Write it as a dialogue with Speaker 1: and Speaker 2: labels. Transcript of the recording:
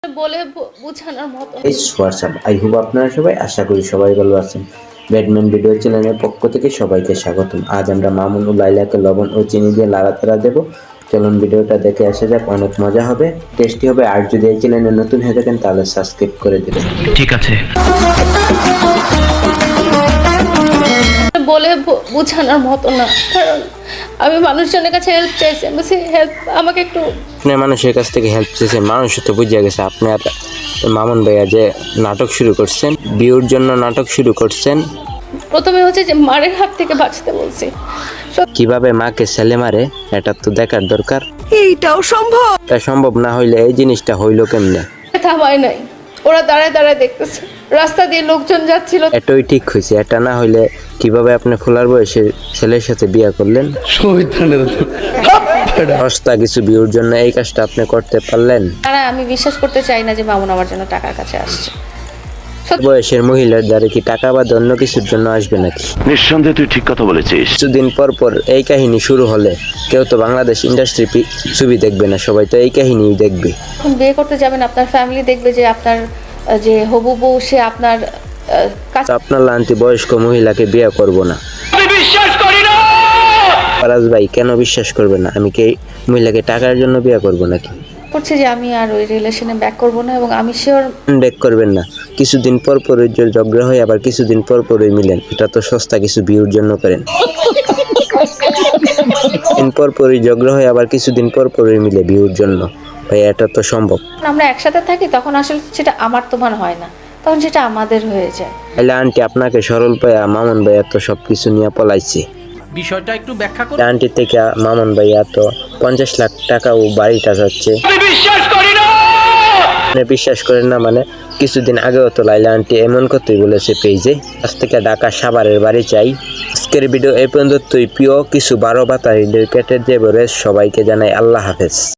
Speaker 1: বোঝানোর মতো না।
Speaker 2: হোয়াটসঅ্যাপ আই হোপ আপনারা সবাই আশা করি সবাই ভালো আছেন। ব্যাডম্যান ভিডিও চ্যানেলের পক্ষ থেকে সবাইকে স্বাগতম। আজ আমরা মামুন ও লাইলাকে লবণ ও চিনি দিয়ে নাড়াচাড়া দেবো। চলুন ভিডিওটা দেখে আসা যাক, অনেক মজা হবে, টেস্টি হবে। আর যদি এই চ্যানেলে নতুন হয়ে থাকেন তাহলে সাবস্ক্রাইব করে দেবেন।
Speaker 3: ঠিক আছে।
Speaker 1: বলে বোঝানোর মতো না, কারণ আমি মানুষজনের কাছে হেল্প চাইছি। আমি বলছি হেল্প আমাকে একটু।
Speaker 2: আপনি মানুষের কাছ থেকে হেল্প চেয়েছেন, মানুষ তো বুঝে গেছে আপনি আর মামুন ভাইয়া যে নাটক শুরু করছেন, ভিউর জন্য নাটক শুরু করছেন।
Speaker 1: প্রথমে হচ্ছে যে মারের হাত থেকে বাঁচতে বলছি।
Speaker 2: কিভাবে মাকে ছেলে মারে এটা তো দেখার দরকার।
Speaker 4: এইটাও সম্ভব?
Speaker 2: তা সম্ভব না হইলে এই জিনিসটা হইলো কেমনে?
Speaker 1: থামায় নাই, ওরা দাঁড়ায় দাঁড়ায় দেখতেছে, রাস্তা দিয়ে লোকজন যাচ্ছিল।
Speaker 2: এটাই ঠিক হয়েছে। এটা না হইলে কিভাবে আপনি ফুলার বয়সে ছেলের সাথে বিয়ে করলেন? সস্তা কিছু ভিউর জন্য এই কাজটা আপনি করতে পারলেন?
Speaker 1: আমি বিশ্বাস করতে চাই না যে মামুন আমার জন্য টাকার কাছে আসছে।
Speaker 2: বয়সের মহিলার দ্বারা কি টাকা বা অন্য কিছুর জন্য আসবে নাকি?
Speaker 3: নিঃসন্দেহে তুই ঠিক কথা বলেছিস।
Speaker 2: কিছুদিন পর পর এই কাহিনী শুরু হলে কেউ তো বাংলাদেশ ইন্ডাস্ট্রি ছবি দেখবে না, সবাই তো এই কাহিনীই দেখবে।
Speaker 1: এখন বিয়ে করতে যাবেন, আপনার ফ্যামিলি দেখবে যে আপনার যে হবু বউ সে আপনার কাছে।
Speaker 2: তো আপনার লান্তি বয়স্ক মহিলাকে বিয়ে করব না।
Speaker 3: আমি বিশ্বাস করি না।
Speaker 2: ফারাজ ভাই কেন বিশ্বাস করবে না? আমি কি এই মহিলাকে টাকার জন্য বিয়ে করব নাকি?
Speaker 1: করছে যে আমি আর ওই রিলেশনে ব্যাক করব না, এবং আমি শিওর
Speaker 2: ব্যাক করবেন না। কিছুদিন পর পর ঝগড়া হয়, আবার কিছুদিন পর পরই মিলেন। এটা তো সস্তা কিছু ভিউর জন্য করেন। দিন পর পরই ঝগড়া হয়, আবার কিছুদিন পর পরই মিলে ভিউর জন্য। ভাই এটা তো সম্ভব?
Speaker 1: আমরা একসাথে থাকি তখন আসলে সেটা আমার তোমার হয় না, তখন সেটা আমাদের হয়ে যায়।
Speaker 2: তাহলে আন্টি আপনাকে সরল পায়া মামুন ভাইয়া তো সবকিছু নিয়ে পলাইছে।
Speaker 5: বিষয়টা একটু ব্যাখ্যা করুন।
Speaker 2: আন্টি থেকে মামুন ভাইয়া তো 50 লাখ টাকা ও বাড়িটা যাচ্ছে।
Speaker 3: আমি বিশ্বাস করি না।
Speaker 2: আপনি বিশ্বাস করেন না মানে? কিছুদিন আগেও তো লাইলা আন্টি এমন কথাই বলেছে পেজে, আজ থেকে ঢাকা সাভারের বাড়ি চাই। আজকের ভিডিও এই পর্যন্তই। প্রিয় কিছু 12 বাতা রিলেটেড যে সবাইকে জানাই আল্লাহ হাফেজ।